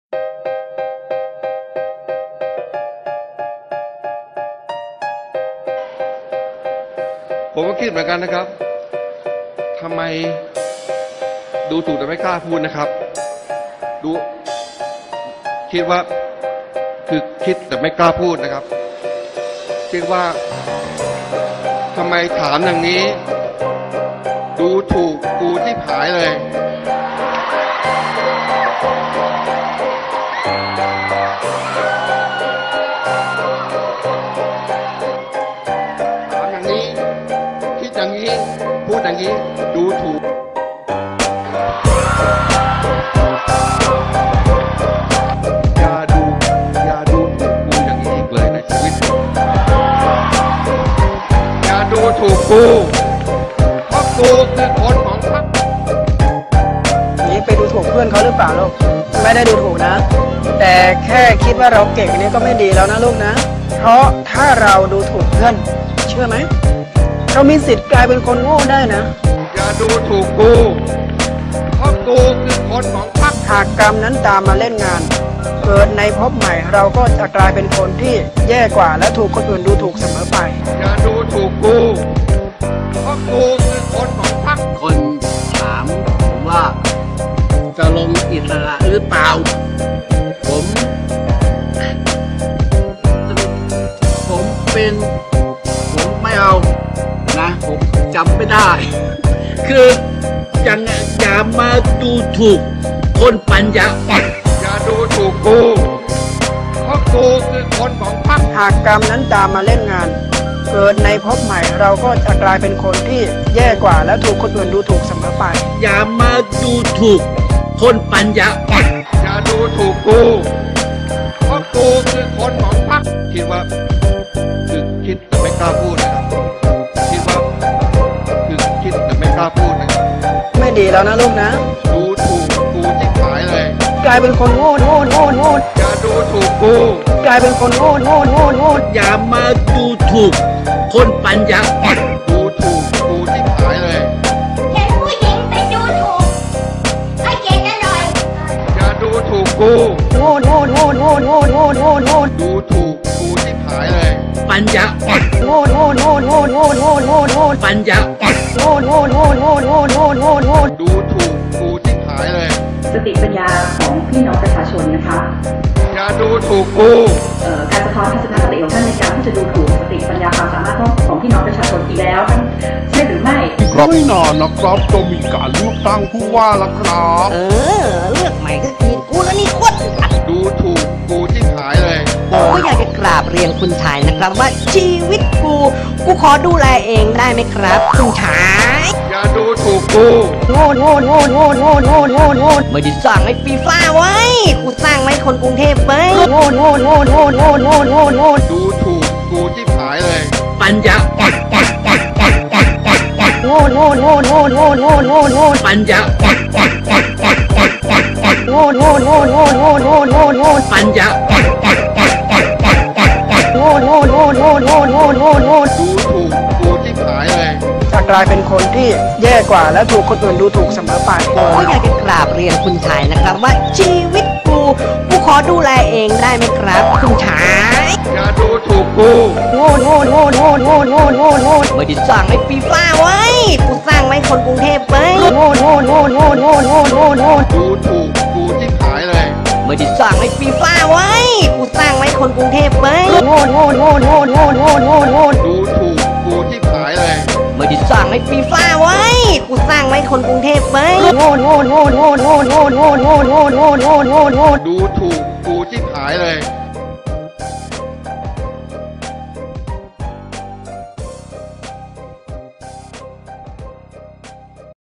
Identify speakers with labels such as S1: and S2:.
S1: ผมก็คิดเหมือนกันนะครับทำไมดูถูกแต่ไม่กล้าพูดนะครับดูคิดว่าคือคิดแต่ไม่กล้าพูดนะครับคิดว่าทำไมถามอย่างนี้ดูถูกกูที่ผายเลยถามอย่างนี้คิดอย่างนี้พูดอย่างนี้ดูถูกอย่าดูถูกกูอย่างนี้อีกเลยในชีวิตอย่าดูถูกกูเพราะกูคือคนของพรรค
S2: นี้ไปดูถูกเพื่อนเขาหรือเปล่าลูกไม่ได้ดูถูกนะแต่แค่คิดว่าเราเก่งนี่ก็ไม่ดีแล้วนะลูกนะเพราะถ้าเราดูถูกเพื่อนเชื่อไหมเรามีสิทธิ์กลายเป็นคนโง่ได้นะ
S1: อย่าดูถูกกูเพราะกูคือคนของพรรค
S2: หากกรรมนั้นตามมาเล่นงานเกิดในภพใหม่เราก็จะกลายเป็นคนที่แย่กว่าและถูกคนอื่นดูถูกเสมอไป
S1: อย่าดูถูกกูเพราะกูคือคนของพรรค
S3: คนถามผมว่าจะลงอิสระหรือเปล่าผมไม่เอานะผมจำไม่ได้คืออย่ามาดูถูกคนปัญญาอ่อน
S1: อย่าดูถูกกูเพราะกูคือคนของพรรค
S2: หากกรรมนั้นตามมาเล่นงานเกิดในภพใหม่เราก็จะกลายเป็นคนที่แย่กว่าและถูกคนอื่นดูถูกเสมอไป
S3: อย่ามาดูถูกคนปัญญาอ่อน
S1: อย่าดูถูกกูเพราะกูคือคนของพรรคคิดว่าคือคิดแต่ไม่กล้าพูดนะครับคิดว่าคือคิดแต่ไม่กล้าพูดนะครับ
S2: ไม่ดีแล้วนะลูกนะ
S1: ดูถูกกูที่ขายเลย
S2: กลายเป็นคนโง่
S1: อย่าดูถูกกู
S2: กลายเป็นคนโง่
S3: อย่ามาดูถูกคนปัญญาอ่อน
S1: ดูถูกกูที่ขายเลย
S4: เห็นผู้หญิงไปดูถูกให้เกียรติกันหน่อย
S1: อย่าดูถูกกู
S2: โง่ดูถูก
S1: กูที่ขายเลย
S3: ปัญญาอ่อนปัญญาอ่อน
S1: ดูถูกกูที่ขายเลย
S5: สติปัญญาของพี่น้องประชาชนนะคะ
S1: อย่าดูถูกกู
S5: การสะท้อนทัศนคติของท่านในการที่จะดูถูกสติปัญญาความสามารถของพี่น้องประชาชนอีกแล้วใช่หรือไม่
S6: ไม่นานนะครับจะมีการเลือกตั้งผู้ว่าแล้วครับ
S7: เลือกใหม่ก็คือกูแล้วนี่โคตร
S1: ดูถูกกูที่ขายเลย
S7: ก็อยากจะกราบเรียนคุณชายนะครับว่าชีวิตกูขอดูแลเองได้ไหมครับคุณชาย
S1: อย่าดูถูกกู
S7: ไม่ได้สร้างให้ฟีฟ่าไว้กูสร้างไว้คนกรุงเทพไว้
S1: ดูถูกกูที่ขายเลย
S3: ปัญญาอ่อนปัญญาอ่อนปัญญาอ่อน
S1: ดูถูกกูที่ขายเลย
S2: จะกลายเป็นคนที่แย่กว่าและถูกคนอื่นดูถูกเสมอไป
S7: ก็อยากจะกราบเรียนคุณชายนะครับว่าชีวิตกูขอดูแลเองได้ไหมครับคุณชาย
S1: อย่าดูถูกกู
S7: ไม่ได้สร้างให้ฟีฟ่าไว้กูสร้างไว้คนกรุงเทพไว้
S1: ดูถูกกูที่ขายเลย
S7: ไม่ได้สร้างให้ฟีฟ่าไว้กูสร้างไว้คนกรุงเทพไว้
S1: ดูถูกกูที่ขายเลย
S7: ไม่ได้สร้างให้ฟีฟ่าไว้กูสร้างไว้คนกรุงเทพไว้
S1: ดูถูกกูที่ขายเลย